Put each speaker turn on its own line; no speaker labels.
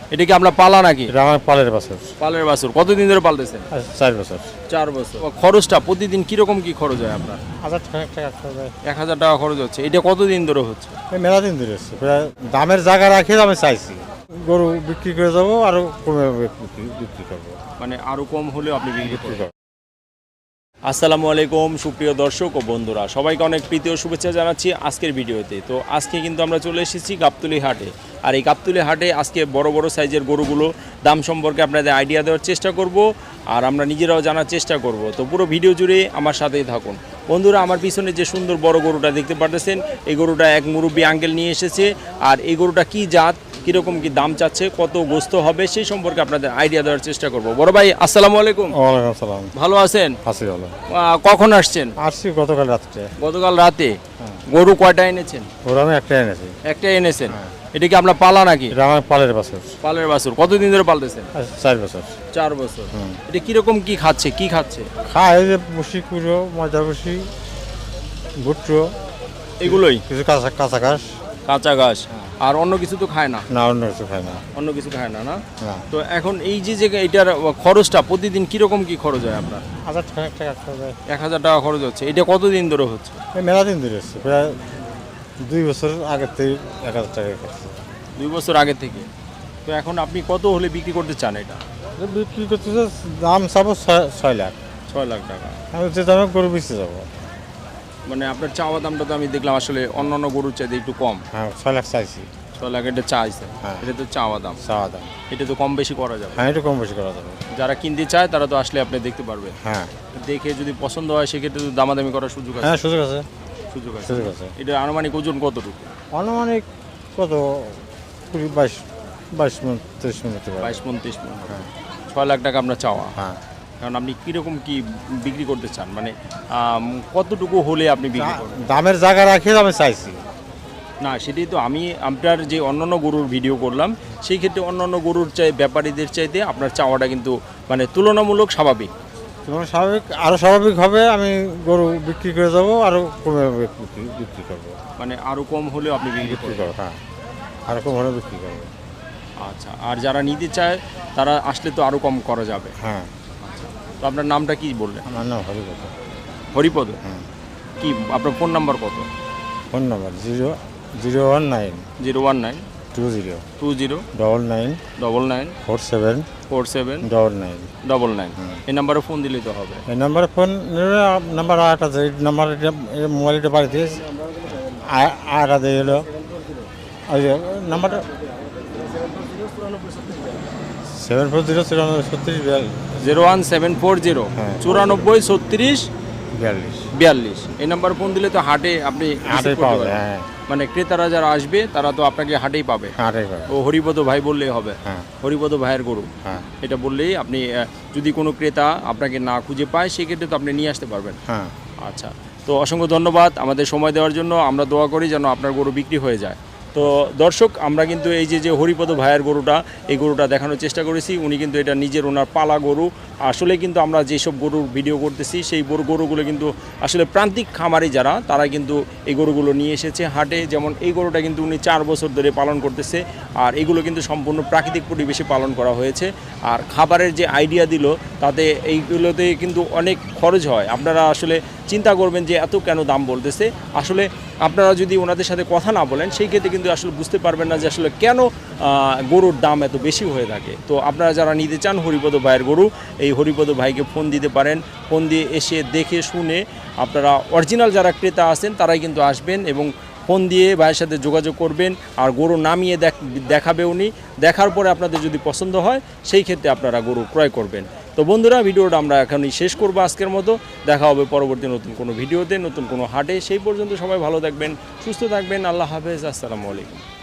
এটা কি আপনার পালা নাকি?
এটা আমার পালের বছর,
পালের বাছুর। কতদিন ধরে পালতেছেন?
4 বছর।
4 বছর। খরচটা প্রতিদিন কিরকম কি খরচ হয় আপনার?
1000 টাকা খরচ হয়।
1000 টাকা খরচ হচ্ছে। এটা কতদিন ধরে হচ্ছে?
এই মেলা দিন ধরে হচ্ছে, প্রায় দামের জায়গা রাখে আমি চাইছি গরু বিক্রি করে যাবো, আরো কমে বিক্রি করবো।
মানে আরো কম হলেও আপনি বিক্রি
বিক্রি
করবেন।
করবো।
আসসালামু আলাইকুম সুপ্রিয় দর্শক ও বন্ধুরা, সবাইকে অনেক প্রীতি ও শুভেচ্ছা জানাচ্ছি আজকের ভিডিওতে। তো আজকে কিন্তু আমরা চলে এসেছি গাবতলী হাটে। আর এই গাবতলী হাটে আজকে বড় বড় সাইজের গরুগুলো দাম সম্পর্কে আপনাদের আইডিয়া দেওয়ার চেষ্টা করব, আর আমরা নিজেরাও জানার চেষ্টা করব। তো পুরো ভিডিও জুড়ে আমার সাথেই থাকুন বন্ধুরা। আমার পিছনে যে সুন্দর বড় গরুটা দেখতে পাচ্ছেন, এই গরুটা এক মুরব্বী আঙ্কেল নিয়ে এসেছে। আর এই গরুটা কি জাত, কীরকম কি দাম চাচ্ছে, কত গোস্ত হবে, সেই সম্পর্কে আপনাদের আইডিয়া দেওয়ার চেষ্টা করব। বড় ভাই আসসালামু আলাইকুম।
ওয়ালাইকুম আসসালাম।
ভালো আছেন?
আছি ভালো।
কখন আসছেন?
আসছি গতকাল রাত্রে।
গতকাল রাতে। গরু কয়টা এনেছেন?
ওরা আমি একটাই এনেছি।
একটাই এনেছেন। এটা কি আপনার পালা নাকি?
এটা আমার পালের বছর,
পালের বাছুর। কতদিন ধরে পালতেছেন?
4 বছর।
4 বছর। এটা কিরকম কি খাচ্ছে, কি খাচ্ছে?
খায় যে বসি কুড়ো, ময়দা বসি, ভুট্টো,
এগুলোই?
কিছু কাঁচা কাঁচা ঘাস।
কাঁচা ঘাস। আর অন্য কিছু তো খায় না?
না, অন্য কিছু খায় না।
অন্য কিছু খায় না, না?
না।
তো এখন এই যে এটার খরচটা প্রতিদিন কিরকম কি খরচ হয় আপনার?
1000 টাকা খরচ হয়।
1000 টাকা খরচ হচ্ছে। এটা কতদিন ধরে হচ্ছে?
এই মেলা দিন ধরে হচ্ছে, প্রায় 2 বছর আগের থেকে 1000 টাকা খাচ্ছে।
2 বছর আগে থেকে। তো এখন আপনি কত হলে বিক্রি করতে চান এটা?
বিক্রি করতেছে, দাম চাবো 6 লাখ।
6 লাখ টাকা।
আমি যে দামে গরু বেঁচে যাবো।
মানে আপনার চাওয়া দামটা তো আমি দেখলাম আসলে অন্যান্য গরুর চাইতে একটু কম।
হ্যাঁ, 6 লাখ চাইছি।
6 লাখ এটা চাইছে।
হ্যাঁ।
এটা তো চাওয়া দাম।
চাওয়া দাম।
এটা তো কম বেশি করা যাবে।
হ্যাঁ, একটু কম বেশি করা যাবে।
যারা কিনতে চায় তারা তো আসলে আপনি দেখতে পারবে।
হ্যাঁ।
দেখে যদি পছন্দ হয় সেক্ষেত্রে তো দামাদামি করার সুযোগ আছে।
হ্যাঁ, সুযোগ আছে।
সুযোগ আছে।
সুযোগ আছে।
এটা আনুমানিক ওজন কতটুকু?
আনুমানিক কত 22 মিনিট 30 মিনিট হতে পারে।
22 29 মণ।
হ্যাঁ।
6 লাখ টাকা আপনার চাওয়া।
হ্যাঁ।
কারণ আপনি কীরকম কি বিক্রি করতে চান, মানে কতটুকু হলে আপনি বিক্রি করবেন?
দামের জায়গা রাখে আমি চাইছি।
না, সেটাই তো আমি আপনার যে অন্যান্য গরুর ভিডিও করলাম সেই ক্ষেত্রে অন্যান্য গরুর ব্যাপারীদের চাইতে আপনার চাওয়াটা কিন্তু মানে তুলনামূলক স্বাভাবিক।
তোমার স্বাভাবিক, আরো স্বাভাবিক হবে। আমি গরু বিক্রি করে যাবো, আরো কমে বিক্রি করবো।
মানে আরও কম হলেও আপনি বিক্রি
বিক্রি
করবেন।
করবো, হ্যাঁ, আরো কম হলে বিক্রি করবো।
আচ্ছা, আর যারা নিতে চায় তারা আসলে তো আরও কম করা যাবে।
হ্যাঁ।
তো আপনার নামটা কি বললেন?
আমার নাম হরিপদ।
হরিপদ।
হ্যাঁ।
কি আপনার ফোন নাম্বার কত?
Phone number 019
019
20
20
99
99
47
47
99।
99। এই নাম্বারে ফোন দিলেই তো হবে।
এই নাম্বারে ফোন নিলে নাম্বার আট আছে। এই নাম্বার মোবাইলটা বাড়িতে আট আছে হলো ওই যে নাম্বারটা 7409
01740
হ্যাঁ।
94 36
42
42। এই নাম্বার ফোন দিলে তো হাটে আপনি
আটে
receive করতে
পাওয়া
পারবেন।
যায়। হ্যাঁ,
মানে ক্রেতারা যারা আসবে তারা তো আপনাকে হাটেই পাবে।
আটে পাবে।
ও হরিপদ ভাই বললেই হবে।
হ্যাঁ।
হরিপদ ভাইয়ের গরু।
হ্যাঁ।
এটা বললেই আপনি যদি কোনো ক্রেতা আপনাকে না খুঁজে পায় সেক্ষেত্রে তো আপনি নিয়ে আসতে পারবেন।
হ্যাঁ।
আচ্ছা, তো অসংখ্য ধন্যবাদ আমাদের সময় দেওয়ার জন্য। আমরা দোয়া করি যেন আপনার গরু বিক্রি হয়ে যায়। তো দর্শক, আমরা কিন্তু এই যে হরিপদ ভাইয়ের গরুটা, এই গরুটা দেখানোর চেষ্টা করেছি। উনি কিন্তু এটা নিজের ওনার পালা গরু। আসলে কিন্তু আমরা যেসব গরুর ভিডিও করতেছি সেই গরুগুলো কিন্তু আসলে প্রান্তিক খামারি যারা তারা কিন্তু এই গরুগুলো নিয়ে এসেছে হাটে। যেমন এই গরুটা কিন্তু উনি 4 বছর ধরে পালন করতেছে। আর এগুলো কিন্তু সম্পূর্ণ প্রাকৃতিক পরিবেশে পালন করা হয়েছে। আর খাবারের যে আইডিয়া দিল তাতে এইগুলোতে কিন্তু অনেক খরচ হয়। আপনারা আসলে চিন্তা করবেন যে এত কেন দাম বলতেছে। আসলে আপনারা যদি ওনাদের সাথে কথা না বলেন সেই ক্ষেত্রে কিন্তু আসলে বুঝতে পারবেন না যে আসলে কেন গরুর দাম এত বেশি হয়ে থাকে। তো আপনারা যারা নিতে চান হরিপদ ভাইয়ের গরু, এই হরিপদ ভাইকে ফোন দিতে পারেন। ফোন দিয়ে এসে দেখে শুনে আপনারা অরিজিনাল যারা ক্রেতা আছেন তারাই কিন্তু আসবেন এবং ফোন দিয়ে ভাইয়ের সাথে যোগাযোগ করবেন। আর গরু নামিয়ে দেখাবে উনি। দেখার পরে আপনাদের যদি পছন্দ হয় সেই ক্ষেত্রে আপনারা গরু ক্রয় করবেন। তো বন্ধুরা, ভিডিওটা আমরা এখনই শেষ করবো আজকের মতো। দেখা হবে পরবর্তী নতুন কোনো ভিডিওতে, নতুন কোনো হাটে। সেই পর্যন্ত সবাই ভালো থাকবেন, সুস্থ থাকবেন। আল্লাহ হাফেজ। আসসালামু আলাইকুম।